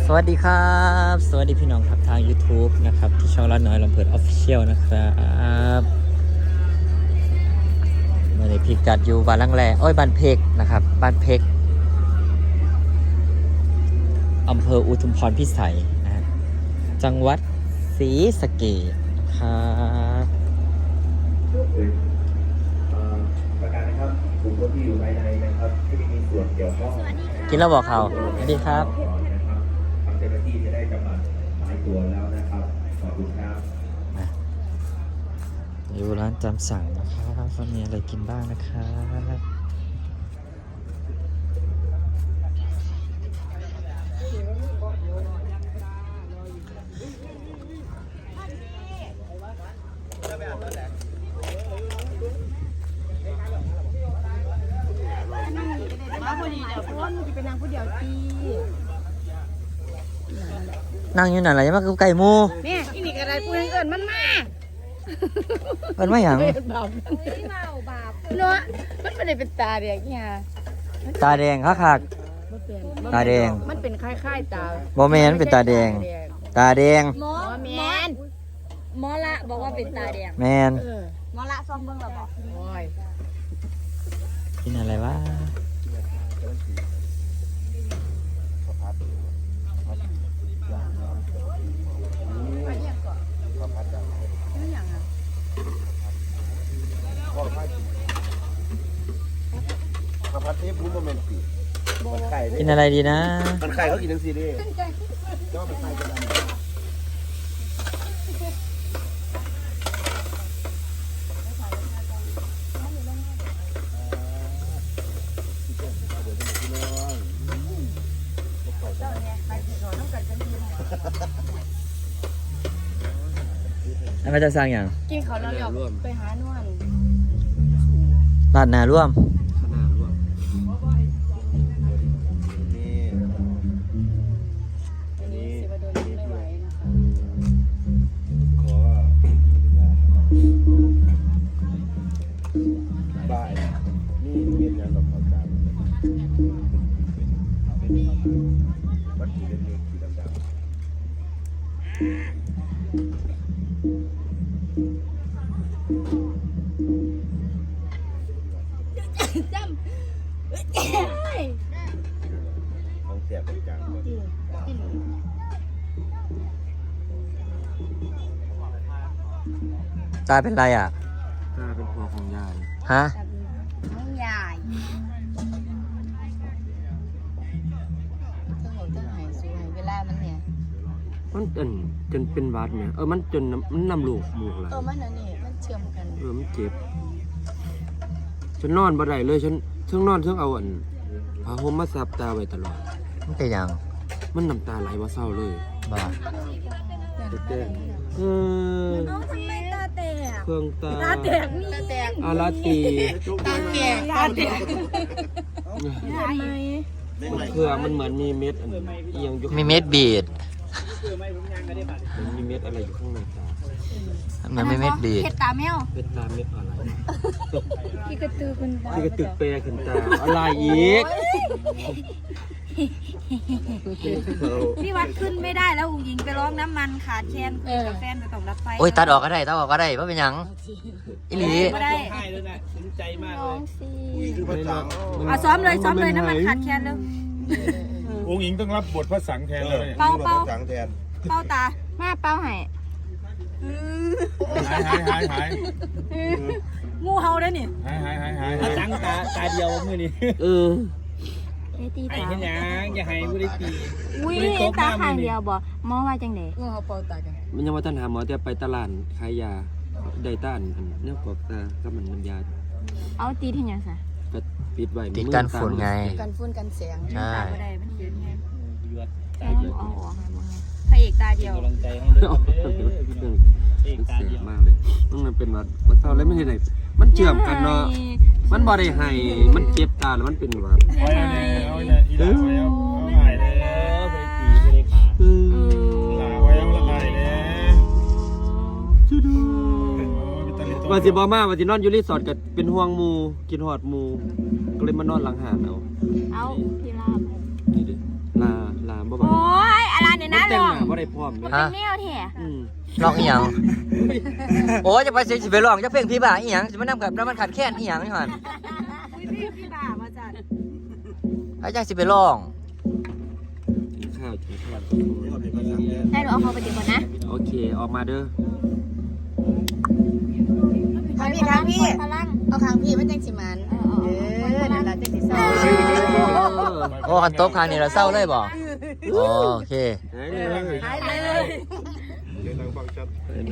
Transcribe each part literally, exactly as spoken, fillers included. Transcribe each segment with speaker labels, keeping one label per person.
Speaker 1: สวัสดีครับสวัสดีพี่น้องครับทาง YouTube นะครับที่ช่องรัดน้อยลำเพิด Official นะครับเมื่อนี้พิกัดอยู่บ้านลังแลโอ้ยบ้านเพกนะครับบ้านเพกอำเภออุทุมพรพิสัยนะฮะจังหวัดศรีสะเกษครับ
Speaker 2: ประกาศนะครับกลุ่มคนที่อยู่ภายในนะครับที่ไม่มีส่วนเกี่ยวข้อง
Speaker 1: กินแล้วบอกเขาสวัสดีครับ
Speaker 2: ทางเจ้าหน้าที่จะได้กำลังหายตัวแล้วนะครับขอบคุณครับ
Speaker 1: อยู่ร้านจำสั่งนะครับว่ามีอะไรกินบ้างนะครับ
Speaker 3: มาพอดีเดี๋ยวพ่นจะเป็นนางผู้เดียวตี
Speaker 1: นั่งอยู่นั่นแหละยังมาคือไก่หมู
Speaker 3: เนี่ยอีนี่กระไรพูดให้เอิญมันมา
Speaker 1: เป็นไม่หยัง
Speaker 3: บาปเมาบาปเนาะมันไม่ได้เป็นตาเดียกเนี่ย
Speaker 1: ตาแดงคักคัก
Speaker 3: มันเป็น
Speaker 1: ตาแดง
Speaker 3: มันเป็นคล้ายๆตา
Speaker 1: โมเมนเป็นตาแดง ตาแดง
Speaker 3: หมอแมน
Speaker 4: หมอละบอกว่าเป็นตาแดง
Speaker 1: แมน
Speaker 3: เออ
Speaker 4: หมอละซองเบิ่งเราบอก
Speaker 3: โอ้ย
Speaker 1: กินอะไรวะ
Speaker 2: ข้าวผัดนี้พูดโมเมนต์ปีมันไข่
Speaker 1: กินอะไรดีนะ
Speaker 2: มันไข่เขากินทั้งซีรีส์ก็มันไข่กัน
Speaker 1: อันนี้จะสร้างอย่าง
Speaker 3: กินเขาแล้วเดี๋ยวไปหานวล
Speaker 1: ลาดหนาร่วม
Speaker 2: ขนาดร่วมนี่
Speaker 3: อันนี้สิบโดนไม่ไหวนะคะ
Speaker 2: ขอบ่ายนี่เมียนยังกับข้าวจานวัตถุเล็กๆสีดำ
Speaker 3: จำ
Speaker 2: ของแสบจัง
Speaker 1: ตาเป็นไรอ่ะ
Speaker 2: ตาเป็นคอของยาย
Speaker 1: ฮะ
Speaker 4: ไม่ใหญ่
Speaker 3: เท่าเท่าหายสวยเวลามันเนี่ย
Speaker 5: มันจนจนเป็นหวัดเนี่ยเออมันจนน้ำมันนำลูกหมูกไหล
Speaker 3: เออมันอันนี้มันเชื่อมกัน
Speaker 5: เออมันเจ็บฉันนอนบ่ได้เลยฉันเชิงนอนเชิงเอาอันผ้าห่มมาซับตาไว้ตลอด
Speaker 1: มันเป็นอย่าง
Speaker 5: มันน้ำตาไหลว่าเศร้าเลย
Speaker 1: บ้า
Speaker 5: เต้นเออ
Speaker 4: น้องทำไมตาแตก
Speaker 5: เครื่องตา
Speaker 3: ตาแตกนี่ตาแตก
Speaker 5: อาราตี
Speaker 3: ตาแตกตาแตกทำไม
Speaker 5: มันเครื่องมันเหมือนมีเม็ดอันเอียงอยู่
Speaker 1: มีเม็ดบีด
Speaker 5: มันมีเม็ดอะไรอยู่ข้างในตา
Speaker 1: มันไม่เม็ดบีด
Speaker 4: เห็ดตาแมว
Speaker 5: เป็นตาเม็ดอะไร
Speaker 3: พี่กระตือคุณตา
Speaker 5: ที่กระตึกเปรขึ้นตาอะไรอีก
Speaker 4: พี่วัดขึ้นไม่ได้แล้วอุ๋งยิงไปร้องน้ำมันขาดแคลนคุยกับแฟนไปต้องรับไฟ
Speaker 1: โอ้ยตัดออกก็ได้ตัดออกก็ได้ว่าเป็นหยังอิหลี
Speaker 4: ไม่ได้
Speaker 3: น้องสิ
Speaker 2: คือภาษา
Speaker 4: เอาซ้อมเลยซ้อมเลยน้ำมันขาดแคลนเลย
Speaker 6: องค์หญิงต้องรับบทพระสังแทนเลย
Speaker 4: เป้าเป้า
Speaker 2: สังแทน
Speaker 4: เป้าตา
Speaker 3: มาเป้าให้
Speaker 6: หายหายหายหาย
Speaker 4: งูเห่าได้นี่
Speaker 6: หายหายหายหายหาย
Speaker 1: ตั้งตาตาเดียวมือนี่
Speaker 5: เออ
Speaker 3: ไอ้ตี
Speaker 1: ไอ้
Speaker 3: ตา
Speaker 1: เห็นยังอย่าให้ผู้ได้ตี
Speaker 3: อุ้ยตาข้างเดียวบ่มองว่าจังได๋
Speaker 4: งูเห่าเป้าตากัน
Speaker 5: มันยังว่าท่านหาหมอแต่ไปตลาดขายยาได้ต้านอันเนี่ยกอกตาก็มันน้ำยา
Speaker 3: เอาตีที่หยังซะ
Speaker 5: ก็ปิดไว้
Speaker 1: ติดกันฝุ่นไง
Speaker 3: กันฝุ่นกันแสง
Speaker 1: ใช่
Speaker 4: ตาไม่ได้มันเห็นไง
Speaker 3: เอาเอาออกให้มึง
Speaker 4: พระเอกตาเดียว
Speaker 5: มันเสียมากเลยมันเป็นวัดวัดเศร้าแล้วไม่ได้ไหนมันเชื่อมกันเนาะมันบ่ได้ให้มันเจ็บตาแล้วมันเป็นหวัด
Speaker 6: เอาเลยเอาเลยอีหลาไว้เอาเอาหายเลยไปตีไปเลยขา
Speaker 5: เออ
Speaker 6: หลาไว้เอาละหายเลย
Speaker 5: ช่วยดู
Speaker 6: เป็นตะลิโต้
Speaker 5: ว่าสิบ่มาว่าสินอนอยู่รีสอร์ทก็เป็นห่วงหมู่กินฮอดหมู่ก็เลยมานอนหลังหาดเอา
Speaker 3: เอาพี่ลาบ
Speaker 5: นี่ดิลาลาบ่บ่
Speaker 4: โอ้ยอัน
Speaker 5: ได้พร้อม
Speaker 4: มัน
Speaker 5: แม่
Speaker 4: เป็
Speaker 1: ฮะ
Speaker 4: นแนวแท้
Speaker 5: อืม
Speaker 1: ลองอีหยังโอ้ยจะไปสิไปลองจะเพลงพี่บ่าอีหยังสิมานํกับแล้วมันขาดแค้นอีหยังนี่หั่น
Speaker 4: อุ้ยพี่พี่บ่ามาจัด
Speaker 1: ไอ้จังสิไปลอง
Speaker 5: กินข้าวกินข้าว
Speaker 4: ให้หนูเอาเขาไปดีกว่านะ
Speaker 5: โอเคออกมาเด้อ
Speaker 3: ทางพี่ทางพี่
Speaker 4: พลัง
Speaker 3: เอาทางพี่มันจังสิมันเออนั่นล่ะจังสิเศร้า
Speaker 1: โอ้คันโต๊ะคางนี่เราเศร้าเลยบ่โอเค
Speaker 5: หายเลย
Speaker 3: หายเลย
Speaker 6: เดี๋ยวทางฟังชัด
Speaker 5: ไปนะ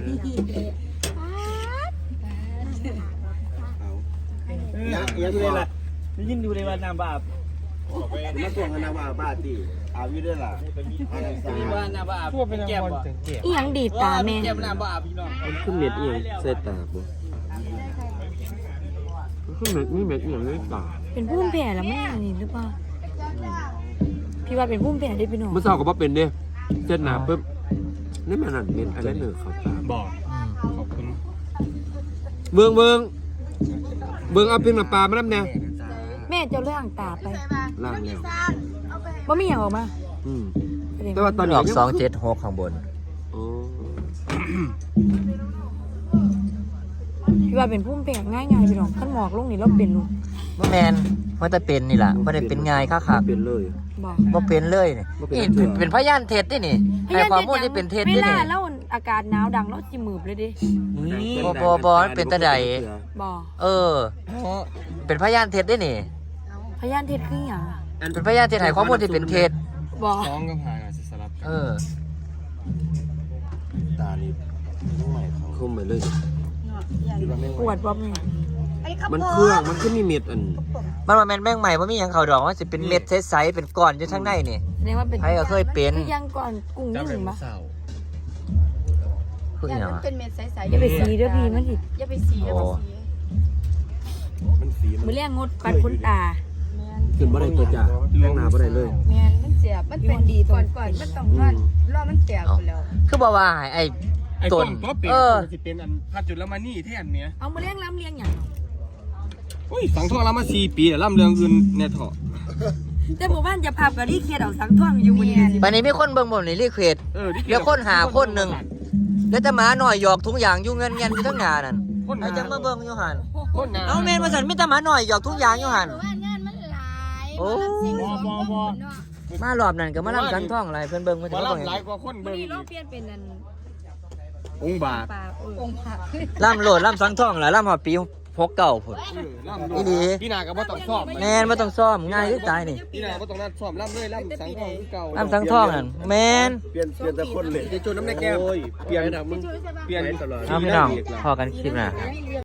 Speaker 6: ยังยังเลยล่ะได้ยินอยู่ในวันน้ำบาปมาส่งกันน้ำบาปบ้าตีอาวิด้วยล่ะมีว่าน้ำบาปพวกเป็นแก้มบ่
Speaker 4: อีหยังดีดตาแม่
Speaker 6: แก้มน้ำบาปพี่น้อง
Speaker 5: มันขึ้นเม็ดเอียงใส่ตาบ่มันขึ้นเม็ดมีเม็ดเอียงในตา
Speaker 4: เป็นพุ่มแผ่แล้วแม่นี่หรือเปล่าพี่ว่าเป็นพุ่มแผ่ได้พี่น้อง
Speaker 5: เมื่อเช้าก็บ่เป็นเด้เส้นหนาปุ๊บนี่มันนั่นเม็ดอะไรเนอเข้าตา
Speaker 6: บอกขอบคุณ
Speaker 5: เบิ่งเบิ่งเบิ่งเอาเพียงน้ำปลามาน้ำแน่
Speaker 4: แม่เจ้าเรื่องตาไป
Speaker 5: ล่างแล้ว
Speaker 4: ว่ามีอย่างออกมา
Speaker 5: อืม
Speaker 4: แสดง
Speaker 5: แต่
Speaker 4: ว่า
Speaker 5: ว่าตอน
Speaker 1: อ
Speaker 5: นี้
Speaker 1: อกสองเจ็ดหกข้างบน
Speaker 5: โอ้
Speaker 4: พี่ว่าเป็นพุ่มแผ่ง่ายๆพี่น้องขั้นหมอกลงนี่เราเป็นลูก
Speaker 1: บ่แมนมันจะเป็นนี่ล่ะบ่ได้เป็นง่ายคัก
Speaker 5: เป็นเลย
Speaker 4: บอก
Speaker 1: ๆบ่เป็นเลยนี่
Speaker 5: บ่เป็น
Speaker 1: นี่
Speaker 5: เถื่อ
Speaker 1: เป็นพยานเท็จนี่นี่ให้ความมูลที่เป็นเท็จ
Speaker 4: เว
Speaker 1: นี่
Speaker 4: ลา
Speaker 1: นี่
Speaker 4: แล้วอากาศหนาวดังแล้วจิมืบเลยดิ
Speaker 1: บ่บ่บ่มันเป็นตาใด
Speaker 4: บอก
Speaker 1: เออ เป็นพยานเท็จได้นี่
Speaker 4: พยานเท็จคืออย่าง
Speaker 1: เป็นพยานเท็จให้ข้อมูลที่เป็นเท็จ
Speaker 4: บอก
Speaker 6: น้องก็พากันสลับ
Speaker 1: เออ
Speaker 6: ตานี่ต้องใหม่เขา
Speaker 5: คุมไปเลย
Speaker 4: ปวดบ่แม่
Speaker 5: มันเครื่องมันขึ้นมีเม็ดอัน
Speaker 1: มันว่าแม่นแม่งใหม่บ่มีหยังเข้าดอกว่าสิเป็นเม็ดใสๆเป็นก้อนอยู่ทางในนี่
Speaker 4: แสดงว่าเป็น
Speaker 1: ใครก็เคยเป็น
Speaker 4: คือยังก่อนกุ้ง
Speaker 6: จำได้
Speaker 4: นึ่ง
Speaker 6: มั้
Speaker 4: ปะ
Speaker 6: ยสาว
Speaker 1: คืออ
Speaker 3: อย่า
Speaker 1: หยัง
Speaker 3: มัน
Speaker 1: วะ
Speaker 3: เป็นเม็ดใสๆ
Speaker 4: อย่าไปสีเด้อพี่มันสิ
Speaker 3: อย่าไปสีอย่าไปสี
Speaker 6: มันสี
Speaker 4: มือแรงงดปัดขนตา
Speaker 5: ขึ้นบ่ได้ตัวจ่าแรงหนาบ่ได้เลย
Speaker 3: แม่นมันเสียบมันเป็นดีก่อนก่อนมันต้องนอนรอมันแตกไปแล้ว
Speaker 1: คือบอกว่าให้ไอ้
Speaker 6: ไอ้
Speaker 1: ต้
Speaker 6: ต้
Speaker 1: น
Speaker 6: นก็เป็น
Speaker 1: เออ
Speaker 6: สิเป็นอันพัดจุดละมานี่แทนเนี้ย
Speaker 4: เอามือแรงล้ำเลียงอย่าง
Speaker 6: โอ้ยสังทองละมาสี่ปีแล้วล่ำเรืองอื่นแน่เถาะ
Speaker 4: แต่หมู่บ้านจะพากับรีเคลียร์เอาสังท่วงอยู่บนนี้
Speaker 1: ปานนี้มีคนเบิ่งบ่นี่รีเควส
Speaker 6: เออที่
Speaker 1: เดี๋ยวคนหาคนหนึงแล้วจะหมาหน่อยหยอกทุกอย่างอยู่เงินเงินอยู่ทั้งงานนั่น
Speaker 6: คน
Speaker 1: ไอ้จังมาเบิ่งอยู่หั่น
Speaker 6: คนหนา
Speaker 1: เอาแม่นว่าซั่นมีแต่หมาหน่อยหยอกทุกอย่างอยู่หั่น
Speaker 3: ว่างานมันหลาย
Speaker 1: โอ้
Speaker 6: บอบอบอ
Speaker 1: มารอบนั้นก็มาลำสันท่องอะไรเพิ่นเบิ่งเพิ่น
Speaker 6: มา
Speaker 1: จะมาเบิ่ง
Speaker 6: ล่ำหลายกว่าคน
Speaker 4: วัน
Speaker 6: เบิ่ง
Speaker 4: นี้เราเปลี่ยนเป็นอัน
Speaker 6: องค์บาท
Speaker 4: ปลาเออ
Speaker 3: องค์พระ
Speaker 1: ล่ำโลดล่ำสังท่องล่ะล่ำฮอดปีหกเก้าพุ่น
Speaker 6: ล่ำ
Speaker 1: อีหลี
Speaker 6: พี่นาก็บ่ต้องซ่อม
Speaker 1: แม่นบ่ต้องซ่อมง่ายคือตายนี่
Speaker 6: พี่นาบ่ต้องนัดซ่อมล่ำเลยล่ำสังทองคือเก่า
Speaker 1: ล่ำสังท่องนั่นแม่น
Speaker 6: เปลี่ยนเปลี่ยนแต่คนเลยจะจนน้ำในแก้มเปลี่ยนเปลี่ยนตลอด
Speaker 1: เอาพี่น้องพอกันคลิปหน้า